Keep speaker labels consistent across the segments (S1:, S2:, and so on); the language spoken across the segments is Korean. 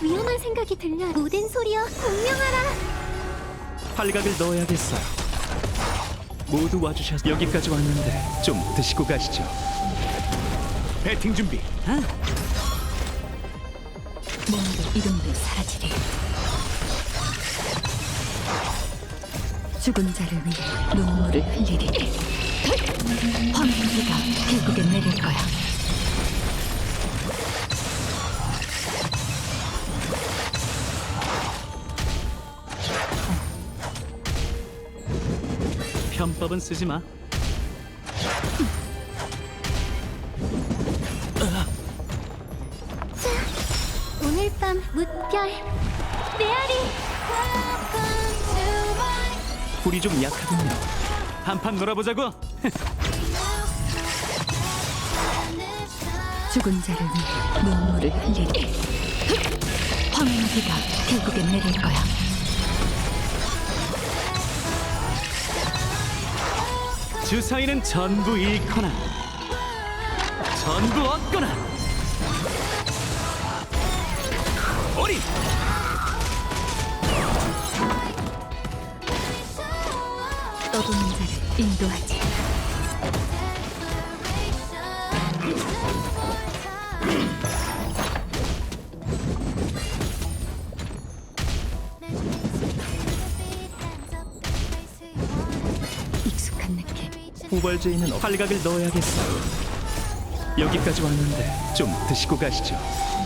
S1: 위험한 생각이 들려. 모든 소리여 공명하라.
S2: 팔각을 넣어야겠어요. 모두 와주셔서 여기까지 왔는데 좀 드시고 가시죠. 배팅 준비.
S3: 몸도 이름도 사라지리. 죽은 자를 위해 눈물을 흘리리. 황무지가 결국엔 내릴 거야.
S2: 편법은 쓰지 마.
S1: 오늘 밤 무별 메아리.
S2: 불이 좀 약하군요. 한판 놀아보자고.
S3: 죽은 자를 위해 눈물을 흘리리. 황무지가 결국엔 내릴 거야.
S2: 주사위는 전부 잃거나 전부 얻거나. 어린
S3: 떠도는 자를 인도하지. 익숙한 느낌.
S2: 후벌제에는 팔각을 넣어야겠어요. 여기까지 왔는데 좀 드시고 가시죠.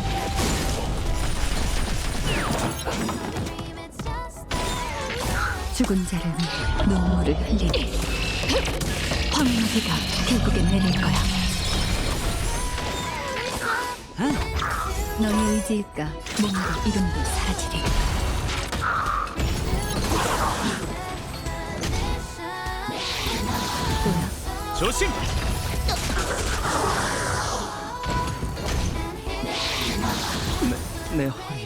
S3: 죽은 자를 위해 눈물을 흘리리. 황무지가 결국엔 내릴 거야. 너의 의지일까 몸도 이름도 사라지리. 뭐야?
S2: 조심. 내 허리.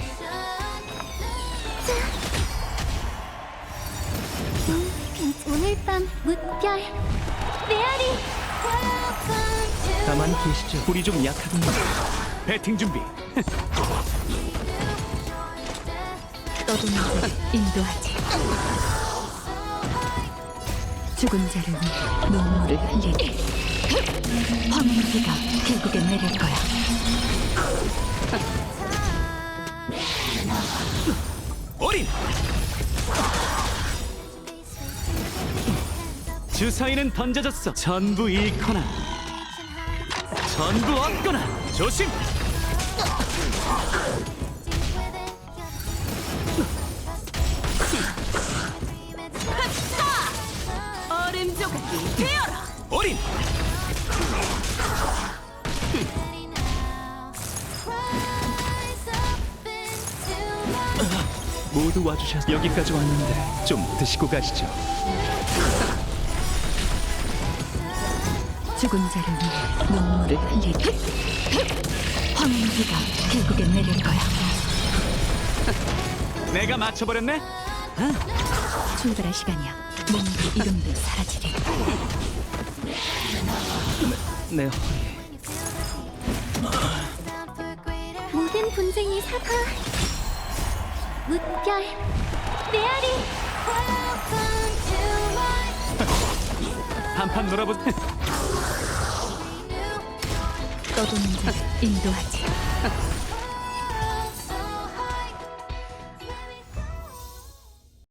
S1: 오늘 밤 무별 메아리.
S2: 가만히 계시죠. 불이 좀 약하군요. 배팅 준비.
S3: 떠도는 자를 인도하지. 죽은 자를 위해 눈물을 흘리리. 황무지가 결국엔 내릴 거야.
S2: 어린 주사위는 던져졌어. 전부 잃거나 전부 얻거나. 조심.
S3: 얼음 조각이 되어라.
S2: 어린 모두 와주셔서 여기까지 왔는데 좀 드시고 가시죠.
S3: 죽은 자를 위해 눈물을 흘리리. 황무지가 결국엔 내릴 거야.
S2: 내가 맞춰버렸네.
S3: 출발할 시간이야. 몸도 이름도 사라지리.
S2: 내 허리.
S1: 모든 분쟁이 사과. 무별 메아리.
S2: 한판 놀아보.
S3: 떠도는 자를 인도하지.